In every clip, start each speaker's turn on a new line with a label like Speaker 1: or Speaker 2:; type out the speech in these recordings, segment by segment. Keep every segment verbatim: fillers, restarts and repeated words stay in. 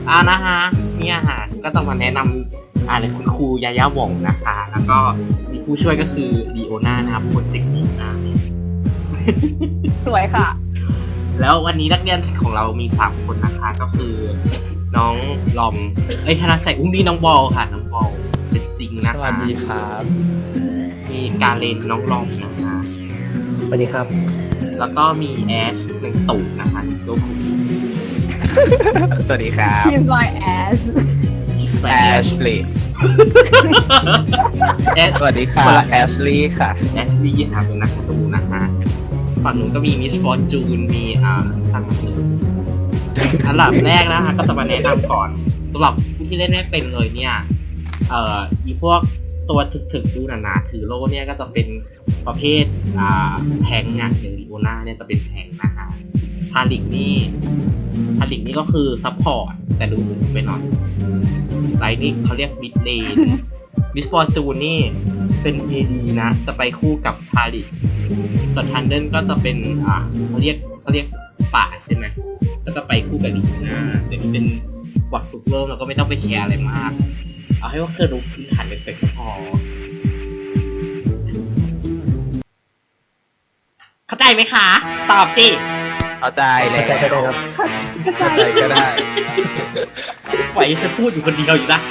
Speaker 1: อ่านะฮะเนี่ยฮะก็ต้องมาแนะนำอ่าเลยคุณครูยายาหว่องนะคะแล้วก็มีผู้ช่วยก็คือดีโอนานะครับโปรเจกต์นี้นะ
Speaker 2: สวยค่ะ
Speaker 1: แล้ววันนี้นักเรียนของเรามีสามคนนะคะก็คือน้องลอมเอ้ยธนชัยอุ้มมีน้องบอลค่ะน้องบอลเป็นจริงนะคะ
Speaker 3: สวัสดีครับ
Speaker 1: มีการเล่นน้องลอมนะคะ
Speaker 4: สวัสดีครับ
Speaker 1: แล้วก็มีแอชหนึ่งตู่นะคะโจคุ
Speaker 3: สวัสดีครับ
Speaker 2: Kiss my ass
Speaker 1: แอ
Speaker 3: แอ
Speaker 1: ช
Speaker 3: ชลีย์
Speaker 1: แอช
Speaker 3: สวัสดีค่ะแอชลีย์ค่ะ
Speaker 1: แอชลี่ค่ะเป็นนักการ์ตูนนะคะฝั่งนู้นก็มีมิสฟอร์จูนมีอ่าซังมีอันดับแรกนะคะก็จะมาแนะนำก่อนสำหรับผู้ที่เล่นไม่เป็นเลยเนี่ยเอ่ออีพวกตัวถึกๆดูหนาๆถือโล่เนี่ยก็จะเป็นประเภทอ่าแทงค์อะอย่างดิโอนาเนี่ยจะเป็นแทงค์นะคะทาริกนี่ทาริกนี่ก็คือซัพพอร์ตแต่ดูถึงไปหน่อยไลท์นี่เขาเรียกมิดเลนมิสฟอร์จูนนี่เป็น เอ ดี นะจะไปคู่กับทาริกส่วนทันเดิลก็จะเป็นอ่าเขาเรียกเขาเรียกป่าใช่ไหมแล้วก็ไปคู่กับดีนะแต่นี่เป็นบอทฝึกเริ่มเราก็ไม่ต้องไปแคร์อะไรมากเอาให้ว่าเคยรู้พื้นฐานเป็นเป็กก็พอเข้าใจไหมคะ ตอบสิ
Speaker 3: เข้าใจแล้
Speaker 4: เข้าใจก็ได้ครับ
Speaker 3: เข้าใจก็ได้
Speaker 1: ไหวจะพูดอยู่คนเดียวอยู่ได้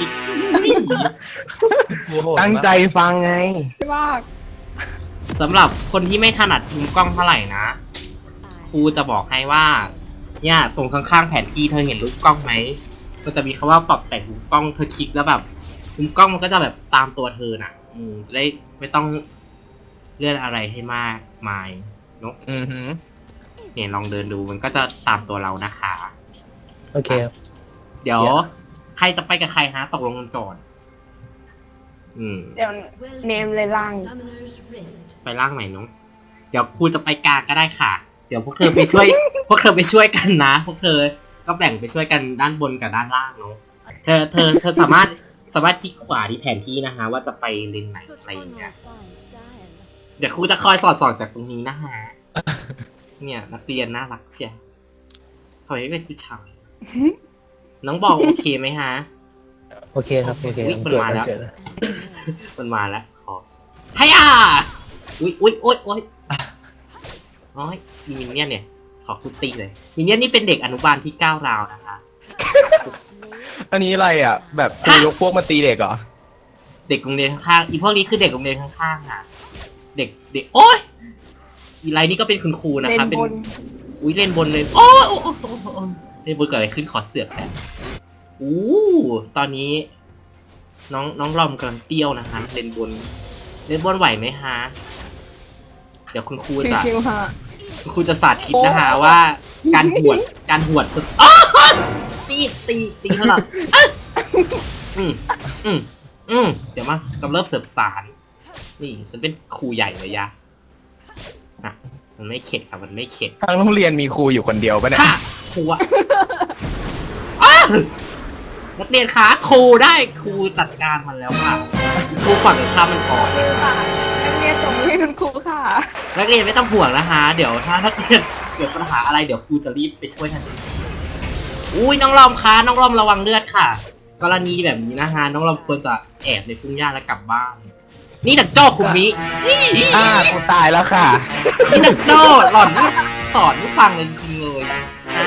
Speaker 3: ตั้งใจฟังไง
Speaker 2: มาก
Speaker 1: สำหรับคนที่ไม่ถนัดมุมกล้องเท่าไหร่นะครูจะบอกให้ว่าเนี่ยตรงข้างๆแผนที่เธอเห็นรูปกล้องไหมมันจะมีคำว่าปรับแต่งมุมกล้องเธอคลิกแล้วแบบมุมกล้องมันก็จะแบบตามตัวเธอน่ะ อืมจะได้ไม่ต้องเลื่อนอะไรให้มากมายเนอะ
Speaker 3: อือหือ
Speaker 1: เนี่ยลองเดินดูมันก็จะตามตัวเรานะคะ
Speaker 4: โอเคครับ
Speaker 1: เดี๋ยวใครจะไปกับใครฮะตกลงกันก่อน อืม
Speaker 2: เดี๋ยวเนมเลยล่าง
Speaker 1: ไปล่างไหนน้องเดี๋ยวครูจะไปกลางก็ได้ค่ะ เดี๋ยวพวกเธอไปช่วย พวกเธอไปช่วยกันนะ พวกเธอก็แบ่งไปช่วยกันด้านบนกับด้านล่างเนาะเธอเธอเธอสามารถสามารถคลิกขวาที่แผนที่นะคะ ว่าจะไปเลนไหนอะไรอย่างเงี้ยเดี๋ยวครูจะคอยสอดส่องจากตรงนี้นะฮะ เนี่ยนักเรียนน่ารักเชียวทำไมไม่เป็นผู้ชายน้องบอกโอเคไหมฮะ
Speaker 4: โอเคครับ โอเค
Speaker 1: อุ๊ยมันมาแล้ว
Speaker 4: เกิดนะ
Speaker 1: มันมาแล้วขอให้อ่ะอุ้ยอุ้ยโอ๊ยโอ๊ยโอ๊ยมีมินเนี่ยนเนี่ยขอคุตตีเลยมินเนี่ยนนี่เป็นเด็กอนุบาลที่ก้าวร้าวนะคะ
Speaker 3: อันนี้อะไรอ่ะ แบบครูยกพวกมาตีเด็กเหรอ
Speaker 1: เด็กโรงเรียนข้างๆอีพวกนี้คือเด็กโรงเรียนข้างๆอ่ะเด็กเด็กโอ๊ยอีไรนี่ก็เป็นคุณครูนะ
Speaker 2: เล่น
Speaker 1: คะเป็น
Speaker 2: บน
Speaker 1: อุ้ยเล่นบนเลยโอ้ยโอ้ยโอ้ยโอ้ยโอ้ยเล่นบนเกิดอะไรขึ้นขอเสือกแป๊บอู้ตอนนี้ น้องน้องลอมกำลังเตี้ยวนะคะเล่นบนเล่นบนไหวไหมฮะเดี๋ยวคุณครูจะ
Speaker 2: ชิวๆค่ะ
Speaker 1: คุณครูจะสาธิตนะคะว่าการหวดการหวดสุดอ้าวตีตีตีเท่าไหร่อืมอืมอืมเดี๋ยวมากำเริบเสิร์ฟสารนี่ฉันเป็นครูใหญ่เลยยะอ่ะมันไม่เข็ดค่ะมันไม่เข็ด
Speaker 3: ทางโรงเรียนมีครูอยู่คนเดียวปะเนี่ย
Speaker 1: ค่ะครูอะอ้าวนักเรียนคะครูได้ครูจัดการมันแล้วค่ะครูฝั่งข้ามมันก่อน
Speaker 2: ค่ะนักเรียนส่งให้คุณครูค่ะ
Speaker 1: นักเรียนไม่ต้องห่วงนะคะ เดี๋ยวถ้านักเรียนเกิดปัญหาอะไรเดี๋ยวครูจะรีบไปช่วยทันทีอุ้ยน้องลอมคะน้องลอมระวังเลือดค่ะ กรณีแบบนี้นะคะน้องลอมควรจะแอบในพุ่งหญ้าแล้วกลับบ้าน นี่ดักโจ้คุมินี่
Speaker 3: อ่ากูตายแล้วค่ะ
Speaker 1: นี่ดักโจ้หล่อนนี่สอนไม่ฟังเลยจริงๆเลยนะ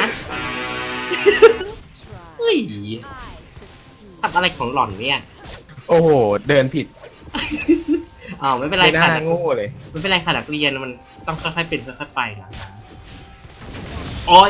Speaker 1: เฮ้ยทำอะไรของหล่อนเนี่ย
Speaker 3: โอ้โห เดินผิด
Speaker 1: อ้าวไม่เป็นไร
Speaker 3: ไม่น่า
Speaker 1: ค่ะ
Speaker 3: โง่เลย
Speaker 1: ไม่เป็นไรค่ะนักเรียนมันต้องค่อยๆเป็นค่อยๆไปนะโอ้ย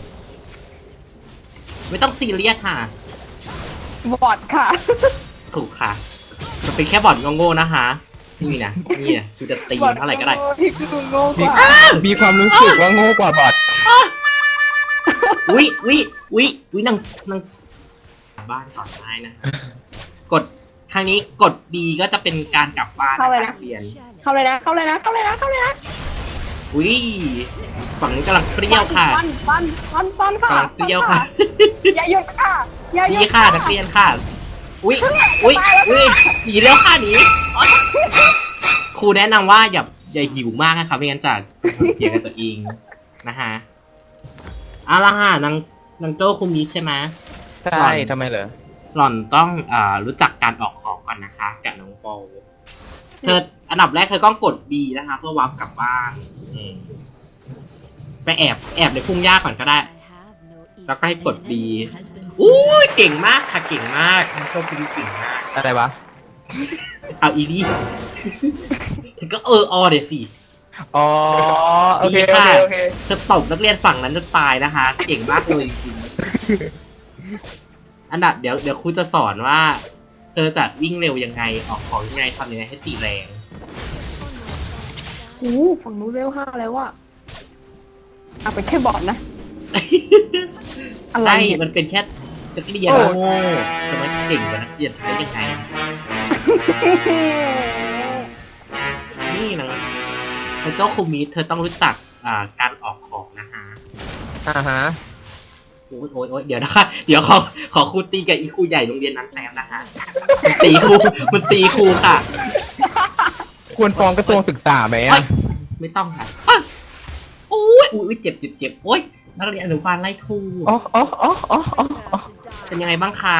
Speaker 1: ไม่ต้องซีเรียสค่ะ
Speaker 2: บอดค่ะ
Speaker 1: ถูกค่ะมันเป็นแค่บอดโง่ๆนะคะนี่นะนี่นะคือจะตีเท่าไหร่ก็ได้
Speaker 2: ที่คือโง่ก
Speaker 3: มี
Speaker 2: ว่า
Speaker 3: มีความรู้สึกว่าโง่กว่าบอท
Speaker 1: อุ้ยอุ้ยอุ้ยอุ้ยนางนางกลับบ้านก่อนได้นะ กดครั้งนี้กด B ก็จะเป็นการกลับบ้านนะคะนักเรียน
Speaker 2: เข้าเลยนะ เข้าเลยนะ เข้าเลยนะ เข้าเลยนะ
Speaker 1: อุ้ยฝั่งนี้กำลังเปรี้ยวค่ะ
Speaker 2: ฟันฟันฟันฟันค่ะ
Speaker 1: กำลังเปรี้ยวค่ะ
Speaker 2: อย่าหยุดค่ะ อย่าหยุ
Speaker 1: นี่
Speaker 2: ด
Speaker 1: ค่ะนักเรียนค่ะ อุ้ยอุ้ยอุ้ยหนีเร็วค่ะหนีโอ๊ยครูแนะนำว่าอย่าอย่าหิวมากนะคะไม่งั้นจะเสียกับตัวเองนะฮะเอาละค่ะนางนางโจ้คุมิใช่ไหม
Speaker 3: ใช่ทำไมเหรอ
Speaker 1: หล่อนต้องอ่ารู้จักการออกของก่อนนะคะกับน้องโปเธออันดับแรกเธอต้องกด B นะคะเพื่อวาร์ปกลับบ้านอืมไปแอบแอบในพุ่งหญ้าก่อนก็ได้ แล้วก็ให้กด B อู้ยเก่งมากค่ะเก่งมากน้องโปคุณเก่งมาก
Speaker 3: อะไรวะ
Speaker 1: เอาอีดีเธอก็เอออเดี๋ยวสิ
Speaker 3: อ๋อ โอเค
Speaker 1: ดี
Speaker 3: โอ
Speaker 1: ค่ะ
Speaker 3: เค โอเค
Speaker 1: เธอตบนักเรียนฝั่งนั้นจนตายนะคะ เก่งมากเลยจริงๆอันดับเดี๋ยวเดี๋ยวครูจะสอนว่า เธอจะวิ่งเร็วยังไงออกของยังไงทำยังไงให้ตีแรง
Speaker 2: โอ้ฝั่งนู้นเร็วห้าแล้วอ่ะเอาไปแค่บอดนะ อะไร
Speaker 1: ใช่
Speaker 2: เนี่ย
Speaker 1: มันเป็นแค่นักเรียน
Speaker 2: โอ้
Speaker 1: โง่จะมาเก่งกว่านักเรียนใช้ยังไง นี่นะเธอเจ้าครูมิเธอต้องรู้จักอ่าการออกของนะคะ
Speaker 3: อ่าฮะ
Speaker 1: โอ้ยโอ้ยโอ้ยเดี๋ยวนะคะ เดี๋ยวขอขอครูตีกับอีครูใหญ่โรงเรียนนั้นแป๊บนะคะมันตีครูมันตีครูค่ะ
Speaker 3: ควรฟ้องกระทรวงศึกษาไหม
Speaker 1: โอ๊
Speaker 3: อ่ะ
Speaker 1: ยไม่ต้องค่ะอ๊ะโอ้ยอุ้ยเจ็บเจ็บเจ็บโอ้ยนักเรียนอนุบาลไล่ครู
Speaker 3: อ๋ออ๋ออ๋ออ๋ออ๋อ
Speaker 1: เป็นยังไงบ้างคะ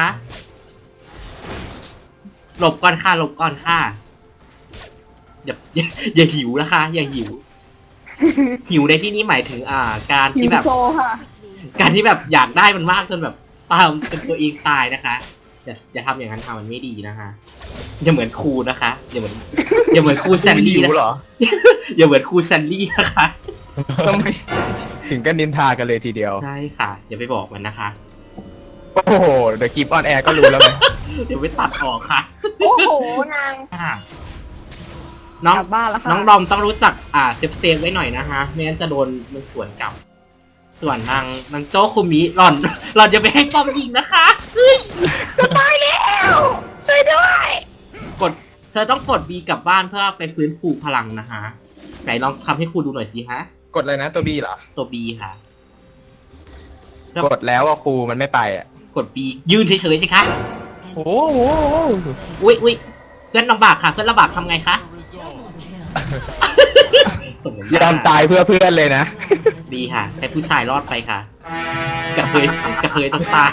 Speaker 1: หลบก่อนค่ะหลบก่อนค่ะอย่าอย่าอย่าหิวนะคะ อย่าหิว หิวในที่นี้หมายถึงอ่า การ
Speaker 2: หิ
Speaker 1: ที่
Speaker 2: ว
Speaker 1: แบบ
Speaker 2: โซค่ะ
Speaker 1: การที่แบบอยากได้มันมากจนแบบตามจนตัวเองตายนะคะอย่าอย่าทำอย่างนั้นทำมันไม่ดีนะคะอย่าเหมือนครูนะคะอย่าเหมือนอย่าเหมือนครูแซนดี้นะ
Speaker 3: หิวเหรอ
Speaker 1: อย่าเหมือนครูแซนดี้นะคะ
Speaker 3: ทำไมถึงกันนินทากันเลยทีเดียว
Speaker 1: ใช่ค่ะ อย่าไปบอกมันนะคะ
Speaker 3: โอ้โห เดี๋ยวคลิปออนแอร์ก็รู้แล้วไหม
Speaker 1: เดี๋ยวไปตัดออกค่ะ
Speaker 2: โอ้โหนาง
Speaker 1: อ่าน้อง
Speaker 2: กลับบ้านแล้วค่ะ
Speaker 1: น้องดอมต้องรู้จักอ่าเซฟเซฟไว้หน่อยนะฮะไม่งั้นจะโดนมันสวนกลับ ส่วนนางนางโจ้คุมิหล่อน หล่อนจะไปให้ป้อมยิงนะคะเฮ้ย
Speaker 2: ตายแล้วช่วยด้วย
Speaker 1: กดเธอต้องกด B กลับบ้านเพื่อไปฟื้นฟูพลังนะฮะไหนลองทำให้ครูดูหน่อยสิฮะ
Speaker 3: กดเลยนะตัวบีเหรอ
Speaker 1: ตัว B ค่ะ
Speaker 3: กดแล้วว่าครูมันไม่ไปอ่ะ
Speaker 1: กด B ยืนเฉยๆสิคะ
Speaker 3: โอ้โห
Speaker 1: อุ้ยอุ้ยเพื่อนลำบากค่ะเพื่อนลำบากทำไงคะส่งผล
Speaker 3: ยอมตายเพื่อเพื่อนเลยนะ
Speaker 1: ดีค่ะให้ผู้ชายรอดไปค่ะกระเทยกระเทยต้องตาย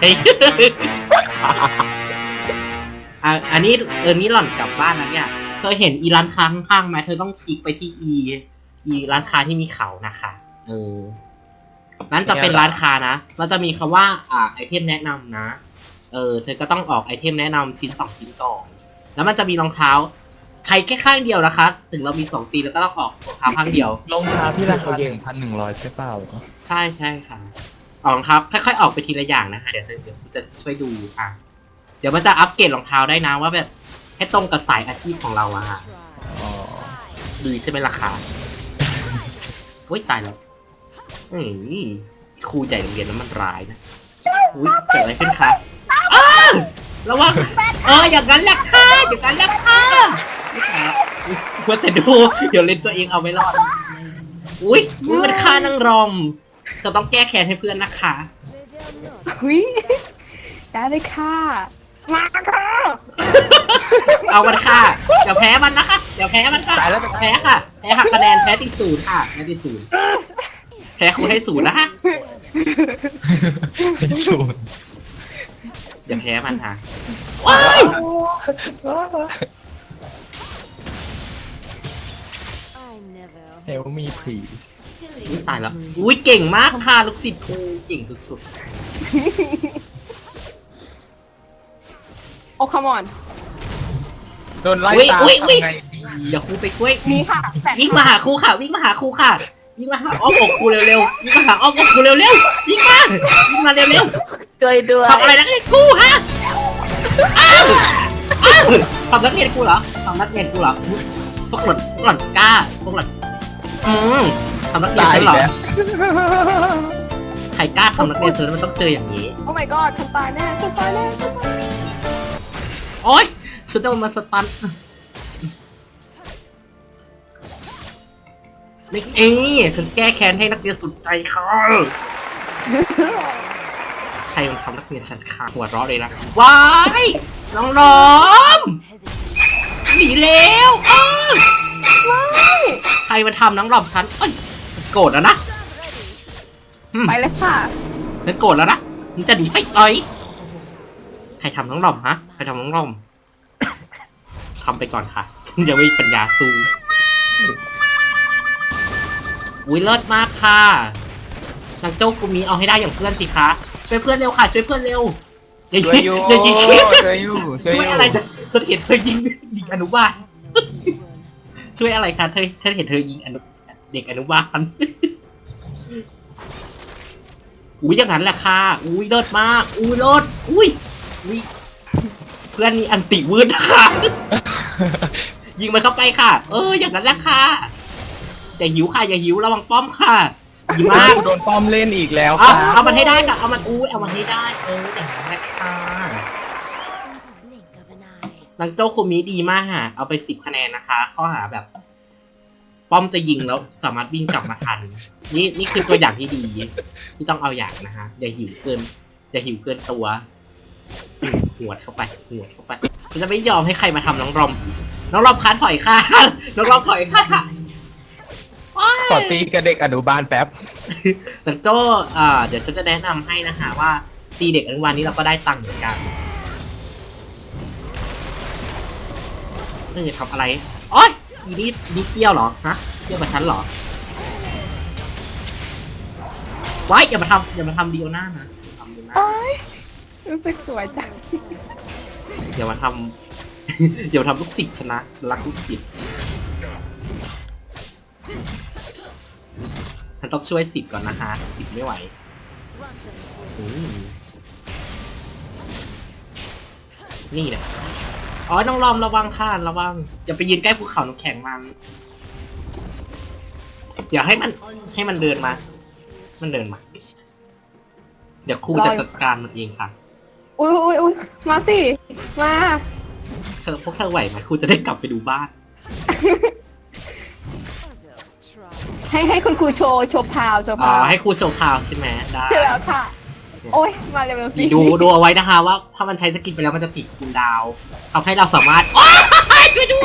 Speaker 1: อ่ะอันนี้เออนี้หล่อนกลับบ้านนะเนี่ยเธอเห็นอีร้านค้าข้างๆไหมเธอต้องคลิกไปที่อีอีร้านค้าที่มีเขานะคะเออนั้นจะเป็นร้านค้านะเราจะมีคำว่าอ่าไอเทมแนะนำนะเออเธอก็ต้องออกไอเทมแนะนำชิ้นสองชิ้นก่อนแล้วมันจะมีรองเท้า ใช้แค่ข้างเดียวนะคะ ถึงเรามีสองตีนแล้วก็ต้องออกรองเท้าข้างเดียว
Speaker 5: รองเท้าที่ราคาหนึ่งพันหนึ่งร้อยใช่เปล่า
Speaker 1: ใช่ใช่ค่ะออกรองเท้าค่อยๆออกไปทีละอย่างนะคะเดี๋ยวเดี๋ยวจะช่วยดูอ่ะเดี๋ยวมันจะอัปเกรดรองเท้าได้นะว่าแบบให้ตรงกับสายอาชีพของเราอะค่ะ
Speaker 5: อ๋อ
Speaker 1: ดูใช่ไหมราคาโอ้ยตายแล้วอืมครูใหญ่โรงเรียนนั้นมันร้ายนะอุ้ยเกิดอะไรขึ้นคะอ้าวระวังเอออย่างนั้นแหละค่ะอย่างนั้นแหละค่ะนี่ค่ะเพื่อแต่ดูเดี๋ยวเล่นตัวเองเอาไม่รอดอุ้ยอุ้ยมันฆ่านางรอมจะต้องแก้แค้นให้เพื่อนนะคะ
Speaker 2: หุยได้เลยค่ะ มาค่ะ
Speaker 1: เอามันค่ะเดี๋ยวแพ้มันนะคะเดี๋ยวแพ้มันค่ะ
Speaker 3: ตายแล้ว
Speaker 1: แพ้ค่ะแพ้หักคะแนนแพ้ติดศูนย์ค่ะแพ้ติดศูนย์แพ้ครูให้ศูนย์นะคะ
Speaker 5: ศูนย์
Speaker 1: อย่าแพ้มันค่ะว้าย
Speaker 5: เฮลมีพรีส
Speaker 1: อุ๊ยตายแล้วอุ้ยเก่งมากค่ะลูกศิษย์ครูเก่งสุด
Speaker 2: โอ้ come on
Speaker 3: โดนไล่
Speaker 1: ๆอุ้ย
Speaker 3: ตาม
Speaker 1: อุ้ยอุ้ย
Speaker 3: ทำไงดี
Speaker 1: เดี๋ยวครูไปช่วย
Speaker 2: นี่ค่ะแปด
Speaker 1: วิ่งมาหาครูค่ะวิ่งมาหาครูค่ะวิ่งมาหาอ้อมอกครูเร็วๆวิ่งมาหาอ้อมอกครูเร็วๆวิ่งมาวิ่งมาเร็ว
Speaker 2: ช่วยด้วย
Speaker 1: ๆทำอะไรนักเรียนครูฮะอ้าวอ้าวทำนักเรียนครูเหรอทำนักเรียนครูเหรอพวกหล่อนพวกหล่อนกล้าพวกหล่อนอืมทำนักเรียน
Speaker 3: ตาย
Speaker 1: ฉัน
Speaker 3: อี
Speaker 1: เหร
Speaker 3: ก
Speaker 1: อ
Speaker 3: แล้ว
Speaker 1: ใครกล้าทำนักเรียนฉันมันต้องเจออย่างนี้
Speaker 2: โอ้ my god ฉันตายแน่ฉันตายแน่ฉันตาย
Speaker 1: โอ๊ยฉันโดนมันสตันนี่เองฉันแก้แค้นให้นักเรียนสุดใจค่ะใครมันทำนักเรียนฉันค่ะหัวเราะเลยนะว้ายน้องล้อมหนีแล้วอ้าว
Speaker 2: ไม่
Speaker 1: ใครมันทำน้องหลอมฉันเอ้ยฉันโกรธแล้วนะอืม
Speaker 2: ไปเลยค่ะ
Speaker 1: ฉันโกรธแล้วนะมันจะหนีไปเอ้ยใครทำน้องหล่อมฮะใครทำน้องหล่อมทำไปก่อนค่ะฉันยังไม่มีปัญญาสู้อุ้ยเลิศมากค่ะนางโจ้กุมีเอาให้ได้อย่างเพื่อนสิคะช่วยเพื่อนเร็วค่ะช่วยเพื่อนเร็วอย่า
Speaker 3: ช่วยอยู่
Speaker 1: อย่ายิง
Speaker 3: ช่วยอยู่ช่วย
Speaker 1: ช่วย
Speaker 3: อยู่
Speaker 1: อะไรจะฉันเห็นเธอยิงเด็กอนุบาลช่วยอะไรคะเธอฉันเห็นเธอยิงอนุเด็กอนุบาลอุ้ยอย่างนั้นแหละค่ะอุ้ยเลิศมากอุ้ยเลิศอุ้ยอุ้ยเพื่อนมีอันติวืดค่ะยิงมันเข้าไปค่ะ เอออย่างนั้นแหละค่ะอย่าหิวค่ะอย่าหิวระวังป้อมค่ะดีมาก
Speaker 3: โดนป้อมเล่นอีกแล้ว
Speaker 1: เอา
Speaker 3: ค่ะ
Speaker 1: เอามันให้ได้ค่ะเอามันอุ้ยเอามันให้ได้เอออย่างนั้นแหละค่ะนางโจ้คุมิดีมากค่ะเอาไปสิบคะแนนนะคะข้อหาแบบ ป้อมจะยิงแล้วสามารถวิ่งกลับมาทันนี่นี่คือตัวอย่างที่ดีที่ต้องเอาอย่างนะฮะอย่าหิวเกินอย่าหิวเกินตัวหวดเข้าไปหวดเข้าไปฉันจะไม่ยอมให้ใครมาทำน้องรอมน้องรอมค้านถอยค่ะน้องรอมถอยค่ะ
Speaker 3: ขอตีกับเด็กอนุบาลแป๊บ
Speaker 1: นางโจ้อ่าเดี๋ยวฉันจะแนะนำให้นะคะว่าตีเด็กอนุบาลนี้เราก็ได้ตังค์เหมือนกันนี่จะทำอะไรโอ๊ยอีนี่นี่เปรี้ยวเหรอฮะเปรี้ยวกับฉันเหรอว้ายอย่ามาทำอย่ามาทำดีโอน่านะทำดีโอน่า
Speaker 2: โอ๊ยรู้สึกสวยจัง
Speaker 1: อย่ามาทำ อย่ามาทำลูกศิษย์ชนะฉันรักลูกศิษย์ฉันต้องช่วยศิษย์ก่อนนะฮะศิษย์ไม่ไหวอืมนี่แหละอ๋อน้องลอมระวังค่ะระวังอย่าไปยืนใกล้ภูเขาน้ำแข็งมันอย่าให้มันให้มันเดินมา มันเดินมา เดี๋ยวครูจะจัดการมันเองค่ะ
Speaker 2: อุ้ยอุ้ยอุ้ยมาสิมา
Speaker 1: เธอพวกเธอไหวไหมครูจะได้กลับไปดูบ้าน
Speaker 2: ให้ให้คุณครูโชว์โชว์พาวโชว์
Speaker 1: อ๋อ
Speaker 2: พาว
Speaker 1: ให้ครูโชว์พาวใช่ไหมได้
Speaker 2: ใช่แล้วค่ะ โอ้ยมาเร็วๆสิ
Speaker 1: ดูดูเอาไว้นะคะว่าถ้ามันใช้สกินไปแล้วมันจะติดคูลดาวน์ทำให้เราสามารถโอ๊ยช่วยด้วย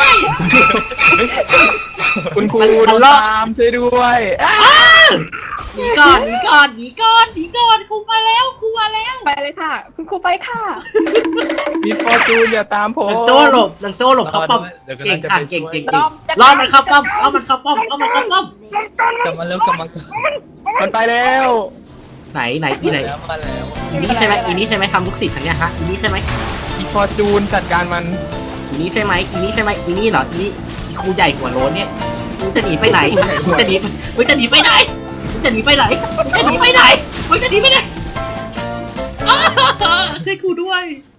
Speaker 3: คุณครู
Speaker 1: มัน
Speaker 3: โด
Speaker 1: มัน
Speaker 3: น
Speaker 1: รอด
Speaker 3: ตามช่วยด้วยอ่ะ
Speaker 1: หนีก่อนหนีก่อนหนีก่อนหนีก่อนครูมาแล้วครูมาแล้ว
Speaker 2: ไปเลยค่ะ คุณครูไปค่ะ
Speaker 3: มิสฟอร์จูนอย่าตามผม
Speaker 1: นางโจ้หลบนางโจ้หลบเข้าป้อม
Speaker 5: เดี๋ยวก็
Speaker 1: เก่ง
Speaker 5: น่าจะ
Speaker 1: ค่ะ
Speaker 5: ไป
Speaker 1: เก่ง
Speaker 5: ช่วย
Speaker 1: เก่ง
Speaker 2: ร
Speaker 1: เก่ง
Speaker 2: อบจะ
Speaker 1: ล่อมันเข้าป้อมเอามันเข้าป้อมเอามันเข้าป้อม
Speaker 5: กลับมาเร็วกลับมา
Speaker 3: มันไปแล้ว
Speaker 1: ไหนไหนอีไหน
Speaker 5: แล้วมาแล้ว
Speaker 1: อีนี่ใช่ไหมอีนี่ใช่ไหมทำลูกศิษย์ฉันเนี่ยฮะอีนี่ใช่ไหม
Speaker 3: มิสฟอร์จูนจัดการมัน
Speaker 1: อีนี่ใช่ไหมอีนี่ใช่ไหมอีนี่เหรออีนี่อีครูใหญ่หัวโล้นเนี่ยมึงจะหนีไปไหนมึงจะหนีมึงจะหนีไปไหนมึงจะหนีไปไหนมึงจะหนีไปไหนมึงจะหนีไปไหนอ้าช่วยครูด้วย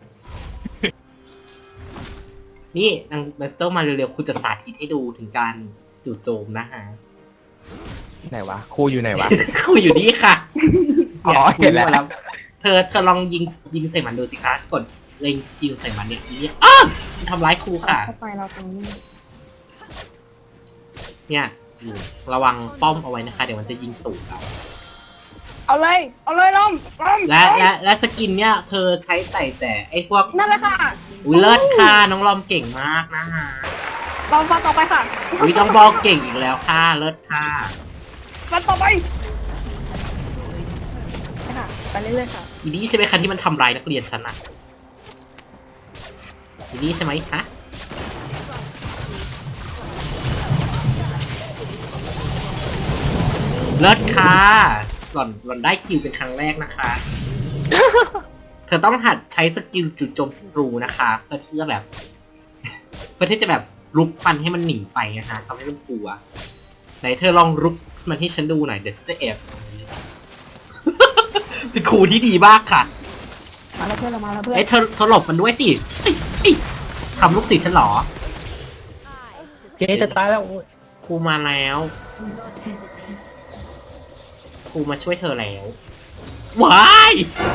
Speaker 1: นี่นางนางเจ้ามาเร็วๆครูจะสาธิตให้ดูถึงการจู่โจมนะฮะ
Speaker 3: ไหนวะครูอยู่ไหนวะ
Speaker 1: ครูอยู่นี่ค่ะ
Speaker 3: อ๋อเห็นแล้ว
Speaker 1: ครูมาเธอเธอลองยิงยิงใส่มันดูสิคะกดเล็งสกิลใส่มันเนี่ยอีนี่อ้าวมันทำร้ายครูค่ะ
Speaker 2: เข้าไปเราตรงนี้
Speaker 1: เนี่ยอยู่ระวังป้อมเอาไว้นะคะ เดี๋ยวมันจะยิงตูดเรา
Speaker 2: เอาเลย เอาเลยล้อมล้อม
Speaker 1: และและและสกินเนี่ยเธอใช้แต่แต่ไอ้พวก
Speaker 2: นั่นแหละค่ะ
Speaker 1: อุ้ยเลิศค่ะน้องลอมเก่งมากนะฮะ
Speaker 2: ลองฟังต่อไปค่ะ
Speaker 1: อุ้ยน้องบอกเก่งอีกแล้วค่ะเลิศค่ะ
Speaker 2: ฟังต่อไปค่ะไปเรื่อยๆค่ะ
Speaker 1: อีนี่ใช่ไหมคะที่มันทำร้ายนักเรียนฉันอะอีนี่ใช่ไหมคะเลิศค่ะหล่อนหล่อนได้คิวเป็นครั้งแรกนะคะ เธอต้องหัดใช้สกิลจุดโจมศัตรูนะคะเพื่อที่จะแบบ เพื่อที่จะแบบรุกมันให้มันหนีไปนะคะทำให้มันกลัวไหนเธอลองรุกมันให้ฉันดูหน่อยเดี๋ยวฉันจะแอบ เป็นครูที่ดีมากค่ะ
Speaker 2: มาแล้วเพื่อนเรามาแล้วเพื่อน
Speaker 1: เอ้ยเธอเธอหลบมันด้วยสิเอ้ยเอ้ยทำลูกศิษย์ฉันเหรอ
Speaker 4: เจ๊จะตายแล้วโอ้ย
Speaker 1: ครูมาแล้วครูมาช่วยเธอแล้วว้าย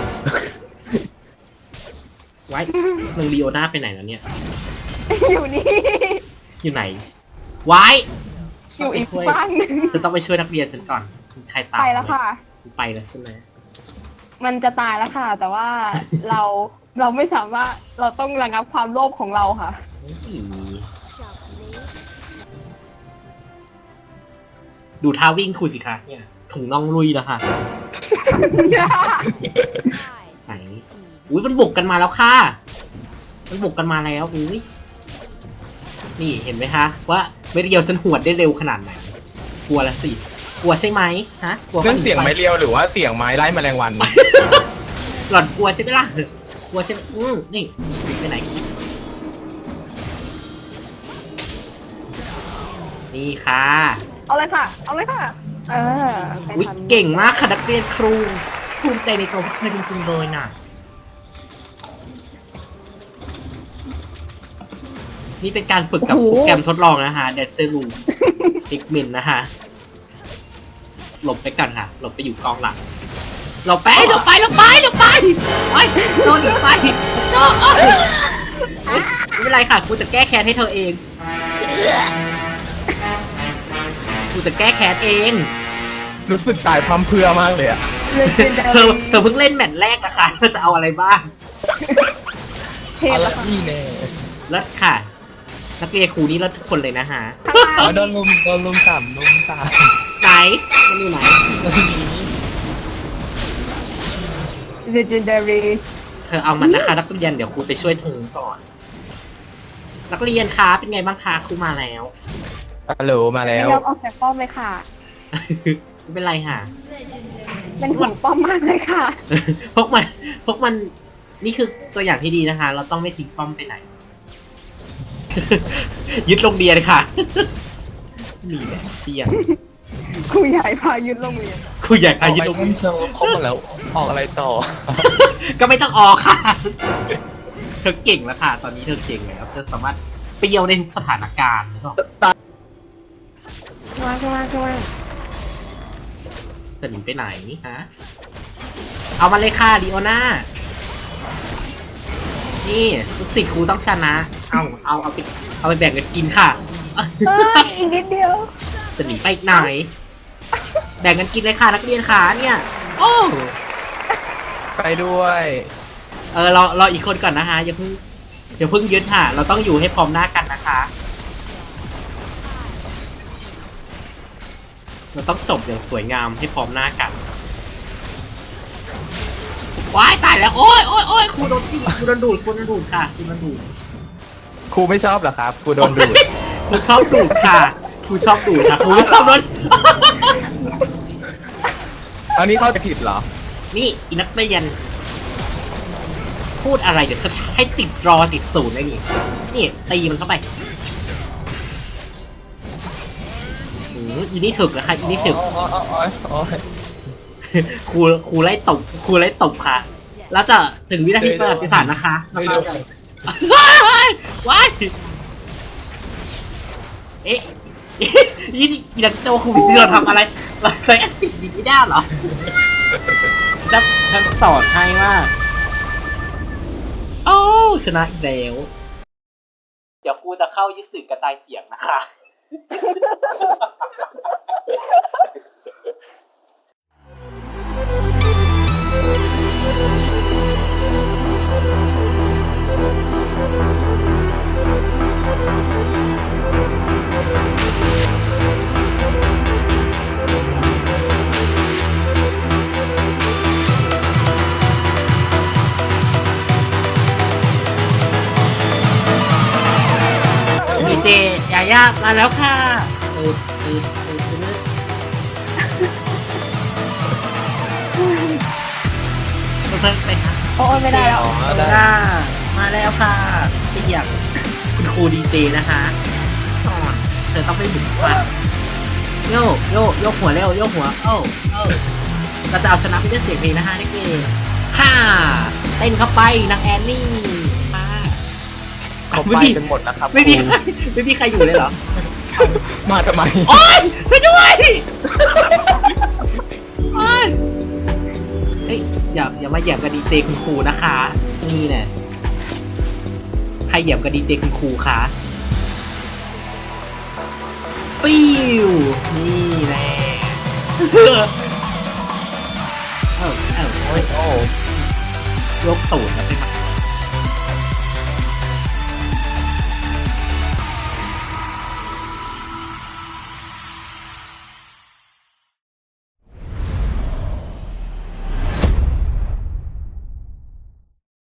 Speaker 1: ว้ายมึงลีโอน่าไปไหนแล้วเนี่ย
Speaker 2: อยู่นี่
Speaker 1: อยู่ไหนว้าย
Speaker 2: อยู่อีก
Speaker 1: ช่วย
Speaker 2: บ้านหนึ่ง
Speaker 1: ฉันต้องไปช่วยนักเรียนฉันก่อนมีใครตาม
Speaker 2: ไปแล้วค่ะ
Speaker 1: ไปแล้วใช่ไหม
Speaker 2: มันจะตายแล้วค่ะ แต่ว่าเราเราไม่สามารถเราต้องระงับความโลภของเราค่ะ
Speaker 1: ดูท่าวิ่งครูสิคะเนี่ยถุงน่องลุยแล้วค่ะไหนอุ้ยมันบุกกันมาแล้วค่ะมันบุกกันมาแล้วอุ้ยนี่เห็นไหมคะว่าไม่เรียวฉันหวดได้เร็วขนาดไหนกลัวละสิกลัวใช่ไหมฮะกลัว
Speaker 3: เรื่องเสียงไม้เรียวหรือว่าเสียงไม้ไล่แมลงวัน
Speaker 1: หล่อนกลัวใช่ไหมล่ะกลัวใช่ไหมอืมนี่ไปไหนนี่ค่ะ
Speaker 2: เอาเลยค่ะ เอาเลยค่ะ เออไป
Speaker 1: อุ๊ย
Speaker 2: ทำ
Speaker 1: เก่งมากค่ะนักเรียนครูภูมิใจในตัวพวกเธอจริงๆเลยน่ะนี่เป็นการฝึกกับโปรแกรมทดลองนะฮะเดเจอรูดิกเมนนะฮะหลบไปกันค่ะหลบไปอยู่กองหลังหลบไปหลบไปหลบไปหลบไปไปโดนหนีไปโดนไม่เป็นไรค่ะกูจะแก้แค้นให้เธอเองกูจะแก้แค้นเอง
Speaker 3: รู้สึกตายพร้อมเพรื่อมากเลยอะ
Speaker 2: เลเจนดา
Speaker 1: เธอ
Speaker 2: รี่
Speaker 1: เธอเพิ่งเล่นแมตช์แรกนะคะเธอจะเอาอะไรบ้าง
Speaker 2: เท
Speaker 5: เอา
Speaker 2: ป
Speaker 5: ละ
Speaker 2: อะค่ะ
Speaker 5: นี่แน่
Speaker 1: เลิศค่ะ นักเรียนครูนี่เลิศทุกคนเลยนะฮะ
Speaker 5: อ๋อโดนลุมโดนลุมสามลุมสาม
Speaker 1: ไหนมันอยู่ไหน
Speaker 2: เลเจนดารี่
Speaker 1: เธอเอามันนะคะนักเรียนเดี๋ยวครูไปช่วยเธอก่อน นักเรียนคะเป็นไงบ้างคะครูมาแล้ว
Speaker 3: ฮัลโหลมาแล้
Speaker 2: ไม่
Speaker 3: วย
Speaker 2: อมออกจากป้อมเลยค่ะ
Speaker 1: ไม่เป็นไรค่ะ
Speaker 2: เป็นห่วงป้อมมากเลยค่ะ
Speaker 1: พวกมันพวกมันนี่คือตัวอย่างที่ดีนะคะ เราต้องไม่ทิ้งป้อมไปไหน ยึดโรงเรียนค่ะ มีแบบเที่ยง
Speaker 2: ครูใหญ่พายึดโรงเรียน
Speaker 1: ครูใหญ่
Speaker 5: เอา
Speaker 1: พายึด
Speaker 5: ไป
Speaker 1: โรง
Speaker 5: เล่
Speaker 1: เรีย
Speaker 5: น
Speaker 1: น
Speaker 5: เชิงครบหมดแล้วออกอะไรต่อ
Speaker 1: ก็ไม่ต้องออกค่ะ เธอเก่งแล้วค่ะ ตอนนี้เธอเก่งแล้วเธอสามารถเปรี้ยวในทุกสถานการณ์แล้วก็
Speaker 2: ว่าว่าว่า
Speaker 1: จะหนีไปไหนฮะ เอามาเลยค่ะดิโอนานี่ลูกศิษย์ครูต้องชนะ เอาเอาเอาไปเอาไปแบ่งกันกินค่ะ
Speaker 2: เอ้ยอีกนิดเดียว
Speaker 1: จะหนีไปไหน แบ่งกันกินเลยค่ะนักเรียนขาเนี่ย โอ้
Speaker 3: ไปด้วย
Speaker 1: เออรอรออีกคนก่อนนะฮะอย่าเพิ่งอย่าเพิ่งยึดค่ะ เราต้องอยู่ให้พร้อมหน้ากันนะคะ เราต้องจบอย่างสวยงามให้พร้อมหน้ากันว้ายตายแล้วโอ้ยโอ้ยโอ้ยครูโดนครูโดนดูดครูโดนดูดค่ะครูโดนดูด
Speaker 3: ครูไม่ชอบเหรอครับครูโดนดูด
Speaker 1: ครูชอบดูดค่ะครูชอบดูดค่ะครูไม่ชอบโดน
Speaker 3: อันนี้เข้าใจผิดเหรอ
Speaker 1: นี่อีนักเรียนพูดอะไรเดี๋ยวฉันให้ติดรอติดศูนย์เลยนี่นี่ตีมันเข้าไปอืมอีนี่ถึกนะคะอีนี่ถึก
Speaker 5: อ๋ออ๋ออ๋ออ๋อ
Speaker 1: ครูครูไล่ตบครูไล่ตบค่ะ แล้วจะถึงวินาทีประวัติศาสตร์นะคะแล้วก็จะว้ายว้ายเอ๊ะยี่นี่อีนักโจครูวิเราทำอะไรเราใช้แอคติกินไม่ได้เหรอฉันฉันสอนให้ว่าโอ้ชนะอีกแล้ว เดี๋ยวครูจะเข้ายึดสื่อกระจายเสียงนะคะ ดีเจยาย่ามาแล้วค่ะเออเออเออเออเพื่อนไปค่ะ
Speaker 2: โอ้ยไม่ได้แล้ว
Speaker 5: อ๋อ
Speaker 1: เออ
Speaker 5: ได้
Speaker 1: ด้ามาแล้วค่ะเปียกคุณครูดีเจนะคะก่อนเธอต้องไปบุกฟันโยกโยกโยกหัวเร็วโยกหัวโอ้โอ้เราจะเอาชนะไปด้วยเสียงเพลงนะคะนี่เองฮ่าเต้นเข้าไปนางแอนนี่มา
Speaker 3: เขา
Speaker 1: ไม่
Speaker 3: ไป
Speaker 1: มี
Speaker 3: กันหมดนะครับ
Speaker 1: ไม่มี
Speaker 3: ครู
Speaker 1: ใครไม่มีใครอยู่เลยเหรอ
Speaker 3: มาทำไม
Speaker 1: โอ๊ยช่วยด้วยโอ๊ยเฮ้ยอย่าอย่ามาเหยียบกับดีเจคุณครูนะคะนี่เนี่ยใครเหยียบกับดีเจคุณครูคะปิ้วนี่แหละเออเออ
Speaker 3: โอ้ยโอ้
Speaker 1: ยกตูดแล้วไปมา